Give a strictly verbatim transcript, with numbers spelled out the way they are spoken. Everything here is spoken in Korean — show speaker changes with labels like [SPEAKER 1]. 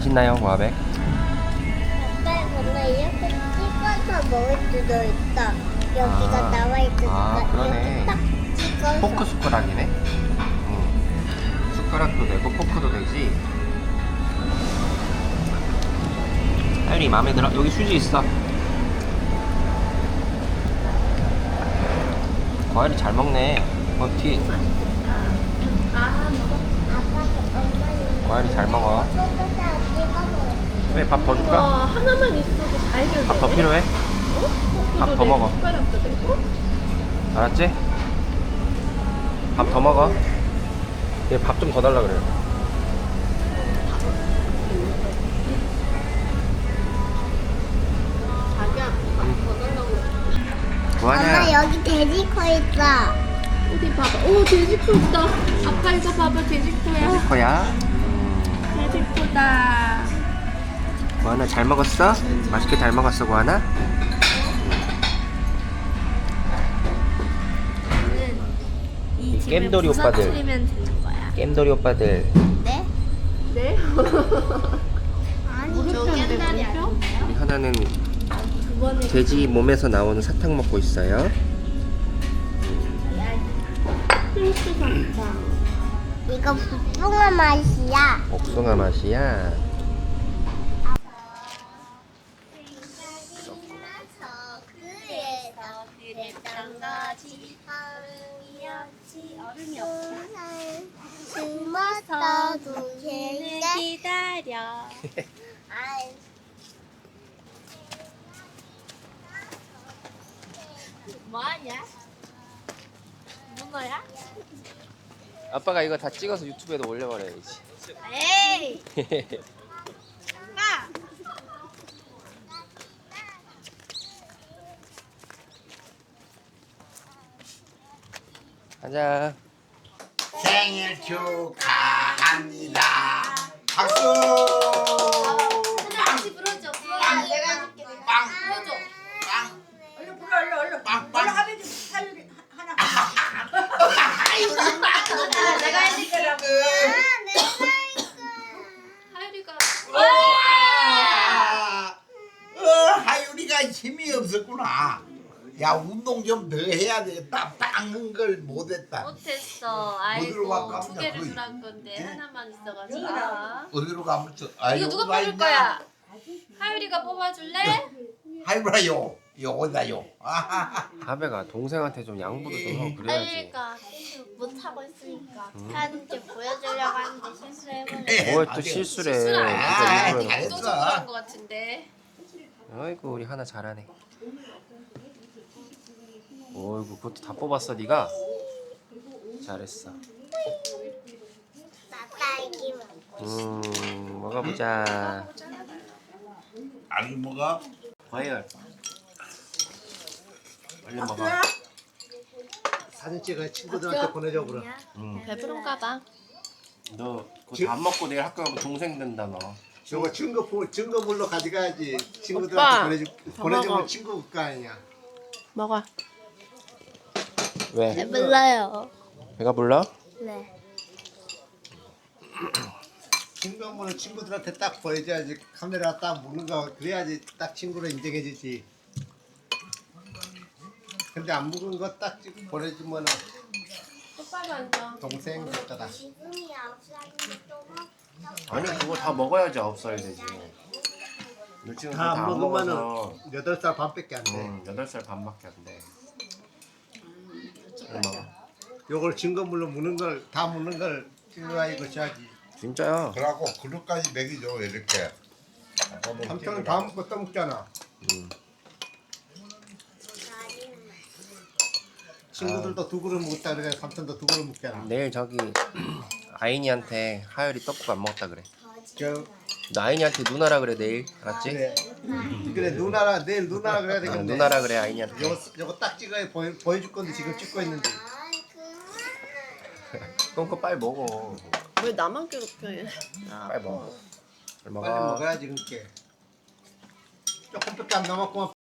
[SPEAKER 1] 맛있나요, 고아백?
[SPEAKER 2] 아빠 근데 이렇게 찍어서 먹을 수도 있다. 여기가
[SPEAKER 1] 아.
[SPEAKER 2] 나와 있으니까
[SPEAKER 1] 아, 그러네.
[SPEAKER 2] 이렇게 딱 찍어서.
[SPEAKER 1] 포크 숟가락이네. 응. 숟가락도 되고 포크도 되지. 하율이 마음에 들어? 여기 수지 있어. 과일이 잘 먹네. 어, 뒤.
[SPEAKER 2] 아빠 엄마는
[SPEAKER 1] 과일이 잘 먹어.
[SPEAKER 2] 포크에다 찍어서.
[SPEAKER 1] 왜 밥 더 줄까?
[SPEAKER 3] 와, 하나만 있어도 다 해결돼.
[SPEAKER 1] 밥 더 필요해?
[SPEAKER 3] 어?
[SPEAKER 1] 밥더 먹어.
[SPEAKER 3] 숟가락도 되고.
[SPEAKER 1] 알았지? 밥 더 먹어. 얘 밥 좀 더 달라 그래요.
[SPEAKER 3] 자기야, 밥더 달라고.
[SPEAKER 2] 엄마
[SPEAKER 1] 구하냐?
[SPEAKER 2] 여기 돼지코 있어.
[SPEAKER 3] 어디 봐봐. 오, 돼지코 있다. 아빠 이거 봐봐, 돼지코야.
[SPEAKER 1] 돼지코야?
[SPEAKER 3] 돼지코다.
[SPEAKER 1] 구하나 잘 먹었어? 맛있게 잘 먹었어, 구하나?
[SPEAKER 3] 이 집을
[SPEAKER 1] 겜돌이 오빠들.
[SPEAKER 3] 부서뜨리면 되는 거야.
[SPEAKER 1] 겜돌이 오빠들.
[SPEAKER 2] 네?
[SPEAKER 3] 네?
[SPEAKER 2] 아니
[SPEAKER 3] 저 겜돌이 아니에요?
[SPEAKER 1] 우리 하나는
[SPEAKER 3] 두 번에
[SPEAKER 1] 돼지 몸에서 나오는 사탕 먹고 있어요.
[SPEAKER 3] 필수 사탕.
[SPEAKER 2] 이거 복숭아 맛이야.
[SPEAKER 1] 복숭아 맛이야.
[SPEAKER 2] 그래서 그랬던 거지. 얼음이 없어. 숨어서도 걔네
[SPEAKER 3] 기다려.
[SPEAKER 2] 아이.
[SPEAKER 3] 뭐하냐? 문어야?
[SPEAKER 1] 아빠가 이거 다 찍어서 유튜브에도 올려버려야지.
[SPEAKER 3] 에이! 마!
[SPEAKER 1] 가자.
[SPEAKER 4] 생일 축하합니다. 박수.
[SPEAKER 3] 같이 불어줘.
[SPEAKER 4] 빵.
[SPEAKER 3] 내가 해줄게.
[SPEAKER 4] 빵.
[SPEAKER 3] 불어줘.
[SPEAKER 4] 빵.
[SPEAKER 5] 얼른 불러 얼른 얼른
[SPEAKER 4] 빵, 빵.
[SPEAKER 5] 얼른 하면 살리 하나
[SPEAKER 3] 내가 해줄게.
[SPEAKER 2] 아, 내가
[SPEAKER 3] 하율이가.
[SPEAKER 4] 아, 어, 하율이가 힘이 없었구나. 야, 운동 좀 더 해야 되겠다. 빵은 걸 못했다.
[SPEAKER 3] 못했어.
[SPEAKER 4] 어디로 갈까?
[SPEAKER 3] 아이고 두 개를
[SPEAKER 4] 거의.
[SPEAKER 3] 주란 건데
[SPEAKER 4] 예?
[SPEAKER 3] 하나만 있어가지고.
[SPEAKER 4] 어디로 가면 저? 아,
[SPEAKER 3] 이거 누가
[SPEAKER 4] 여기가
[SPEAKER 3] 뽑을
[SPEAKER 4] 있나?
[SPEAKER 3] 거야? 하율이가 뽑아줄래?
[SPEAKER 4] 하율아요. 요거다요. 아하하.
[SPEAKER 1] 하배가 동생한테 좀 양보도 좀 하고 그래야지.
[SPEAKER 3] 하율이가 못 하고 있으니까
[SPEAKER 1] 음.
[SPEAKER 3] 하는 게 보여주려고 하는데 실수해버려.
[SPEAKER 1] 뭘 또
[SPEAKER 4] 아직-
[SPEAKER 1] 실수래.
[SPEAKER 3] 실수는
[SPEAKER 4] 아,
[SPEAKER 3] 아니지.
[SPEAKER 4] 잘했어.
[SPEAKER 3] 도전한 것 같은데.
[SPEAKER 1] 아이고 우리 하나 잘하네. 어이구 그것도 다 뽑았어 네가. 잘했어.
[SPEAKER 2] 나 딸기 먹.
[SPEAKER 1] 음 먹어보자.
[SPEAKER 4] 안 먹어?
[SPEAKER 1] 과일. 얼른 먹어.
[SPEAKER 6] 사진 찍어 친구들한테 보내줘 그럼.
[SPEAKER 1] 응.
[SPEAKER 3] 배부른가 봐.
[SPEAKER 1] 너 그거 다 안 먹고 내일 학교 가면 동생 된다 너.
[SPEAKER 6] 저거 증거 보 증거물로 가져가야지.
[SPEAKER 3] 오빠,
[SPEAKER 6] 친구들한테 보내주
[SPEAKER 3] 더
[SPEAKER 6] 보내주면
[SPEAKER 3] 먹어.
[SPEAKER 6] 친구 거 아니야.
[SPEAKER 3] 먹어.
[SPEAKER 1] 왜?
[SPEAKER 3] 몰라요.
[SPEAKER 1] 배가 불러?
[SPEAKER 3] 네.
[SPEAKER 6] 증거물을 친구들한테 딱 보여줘야지. 카메라 딱 먹는 거 그래야지 딱 친구로 인정해주지. 근데 안 먹은 거 딱 찍고 보내주면은
[SPEAKER 3] 똑바로 앉아.
[SPEAKER 6] 동생 같다.
[SPEAKER 2] 지금이 아홉 살인데 또 먹.
[SPEAKER 1] 아니 그거 다 먹어야지 아홉 살 되지. 너 지금 그거
[SPEAKER 6] 다
[SPEAKER 1] 다안
[SPEAKER 6] 안
[SPEAKER 1] 먹어서
[SPEAKER 6] 먹으면은 여덟 살 반밖에 안 돼.
[SPEAKER 1] 응, 여덟 살 반밖에 안 돼. 응, 먹어.
[SPEAKER 6] 요걸 증거물로 먹는 걸 다 먹는 걸 찍어야 이거 줘야지.
[SPEAKER 1] 진짜야.
[SPEAKER 4] 그러고 그릇까지 먹이죠 이렇게.
[SPEAKER 6] 삼촌은 다 먹고 또 먹잖아.
[SPEAKER 1] 응.
[SPEAKER 6] 친구들도 두 그릇 먹었다 그래. 삼촌도 두 그릇 먹잖아.
[SPEAKER 1] 내일 저기 아인이한테 하율이 떡국 안 먹었다 그래.
[SPEAKER 6] 저
[SPEAKER 1] 너 아인이한테 누나라 그래 내일. 알았지?
[SPEAKER 6] 그래. 그래 누나라 내일 누나라 그래야
[SPEAKER 1] 어,
[SPEAKER 6] 되겠네.
[SPEAKER 1] 누나라 그래 아인이한테.
[SPEAKER 6] 요거 요거 딱 찍어야 보여 보여줄 건데 지금 찍고 있는데.
[SPEAKER 1] 그럼 그거 빨리 먹어.
[SPEAKER 3] 왜 나만 괴롭혀 얘?
[SPEAKER 1] 빨리 먹어. 잘 먹어.
[SPEAKER 6] 빨리 먹어야지 그렇게. 조금밖에 안 남았구만.